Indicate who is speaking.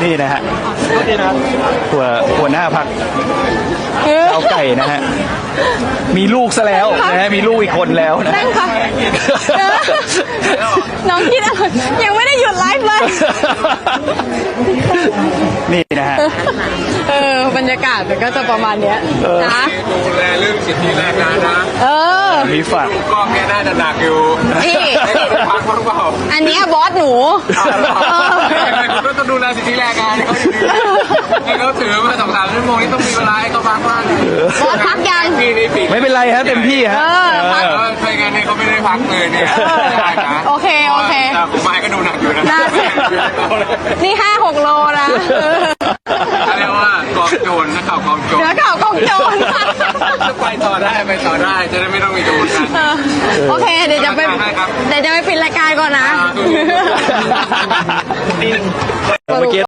Speaker 1: นี่นะฮะหัวหน้าพักเอาไก่นะฮะมีลูกซะแล้วนะฮะมีลูกอีกคนแล้วนะ
Speaker 2: นั่งค่ะน้องคิดอะไรยังไม่ได้หยุดไลฟ์เลย
Speaker 1: นี่นะฮะ
Speaker 2: บรรยากาศมันก็จะประมาณเนี้ยนะ
Speaker 3: ดูแลเรื่องสิทธิแรงงานนะ
Speaker 1: มีฝัก
Speaker 3: กล้องเนี่ยน่าจะหนักอยู่
Speaker 2: นี่
Speaker 3: พักบ้างเปล่า
Speaker 2: อันนี้บอสหนู
Speaker 3: คุณก็ต้องดูแลสิทธิแรงงานเขาอยู่ดีให้เขาถือมา2-3 ชั่วโมงนี่ต้องมีเวลาให้เขาพักบ้าง
Speaker 2: บอสพักยัง
Speaker 3: พี่นี่ปีก
Speaker 1: ไม่เป็นไรฮะเต็มที่ฮะ
Speaker 2: พัก
Speaker 3: ใช่งานเนี่ยเขาไม่ได้พักเลยเนี่ย
Speaker 2: โอเค
Speaker 3: แต่ผมไม้ก็ดูหนักอยู่นะ
Speaker 2: นี่5-6 โลนะ
Speaker 3: เรียกว่ากองโจรนักข่าวกองโจร
Speaker 2: เนื้อข่าวกองโจร
Speaker 3: ไปต่อได้จะได้ไม่ต้องมีโจรกัน
Speaker 2: โอเคเดี๋ยวจะไปปิดรายการก่อนนะ
Speaker 1: เมื่อกี้